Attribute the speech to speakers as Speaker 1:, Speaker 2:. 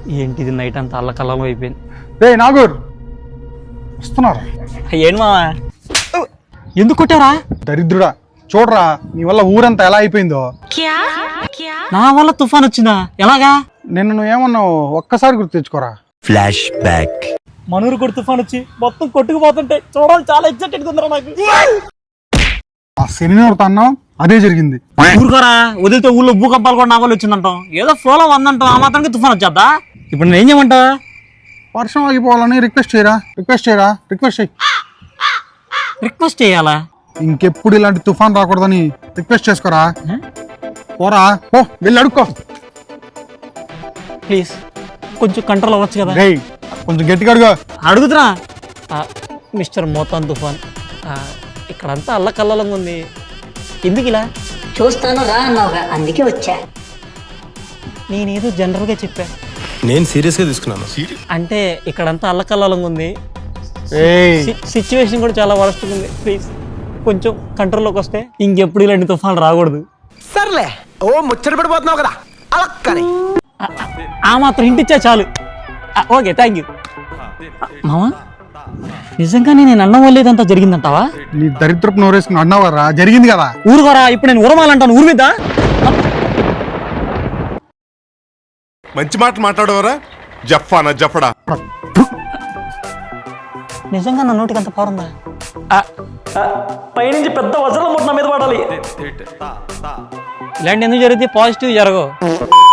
Speaker 1: ఏంటిది నైట్ అంతా అల్లకల్లం అయిపోయింది.
Speaker 2: రే నాగూర్ వస్తున్నారు.
Speaker 1: ఏంటి మావా ఎందుకు కొట్టారా?
Speaker 2: దరిద్రుడా చూడరా నీ వల్ల ఊరంతా ఎలా అయిపోయిందో.
Speaker 1: నా వల్ల తుఫాన్ వచ్చిందా? ఎలాగా?
Speaker 2: నిన్ను నువ్వేమన్నావు ఒక్కసారి గుర్తు తెచ్చుకోరా.
Speaker 3: Flash back.
Speaker 1: మనూరు కూడా తుఫాన్ వచ్చి మొత్తం కొట్టుకుపోతుంటే చూడాలి, చాలా ఎగ్జైటెడ్ ఉందరా నాకు.
Speaker 2: ఆ శనివారం అన్నావు అదే జరిగింది.
Speaker 1: ఊరుకోరా, వదిలితే ఊళ్ళో భూకంపాలు కూడా నా వల్ల వచ్చిందంటాం. ఏదో ఫ్లోలో వందంటాం, ఆ మాత్రానికి తుఫాన్ వచ్చేద్దా? ఇప్పుడు నేను ఏం చేయమంటా?
Speaker 2: వర్షం ఆగిపోవాలని రిక్వెస్ట్
Speaker 1: రిక్వెస్ట్ చేయాలా?
Speaker 2: ఇంకెప్పుడు ఇలాంటి తుఫాన్ రాకూడదని రిక్వెస్ట్ చేసుకోరా. పోరా పో, వెళ్ళి అడుక్కో.
Speaker 1: ప్లీజ్ కొంచెం కంట్రోల్ అవ్వచ్చు కదా.
Speaker 2: రేయ్ కొంచెం గట్టిగా అడుగు.
Speaker 1: అడుగుతున్నా. మిస్టర్ మోతాన్ తుఫాన్, ఇక్కడంతా అల్లకల్లంగా ఉంది, ఎందుకు ఇలా?
Speaker 4: చూస్తాను రా అన్నావుగా, అందుకే వచ్చా.
Speaker 1: నేనేదో జనరల్గా చెప్పా.
Speaker 3: నేను సీరియస్గా తీసుకున్నాను.
Speaker 1: అంటే ఇక్కడంతా అల్లకల్లంగా ఉంది,
Speaker 2: ఏయ్
Speaker 1: సిచ్యువేషన్ కూడా చాలా వరస్ట్గా ఉంది. ప్లీజ్ కొంచెం కంట్రోల్లోకి వస్తే ఇంకెప్పుడు ఇలాంటి తుఫాన్లు రాకూడదు.
Speaker 5: సర్లే, ఓ ముచ్చట పడిపోతున్నావు కదా అలా కానీ.
Speaker 1: ఆ మాత్రం ఇంటిచ్చా చాలు. Okay, thank you. మామా నిజంగానే నేను అన్నం వల్ల ఇదంతా జరిగిందంటావా?
Speaker 2: నీ దరిద్రపు నోరేసుకుని అన్నావారా, జరిగింది కదా.
Speaker 1: ఊరుకోరా, ఇప్పుడు నేను ఉరమాలంటాను ఊరి మీద.
Speaker 6: మంచి మాట మాట్లాడవరా జఫానా జఫడా.
Speaker 1: నిజంగా నా నోటికి అంత పారుందా? పైనుంచి పెద్ద వజ్రం ముట్ట మీద పడాలి. ఇలాంటి ఎందుకు జరిగితే పాజిటివ్ జరగవు.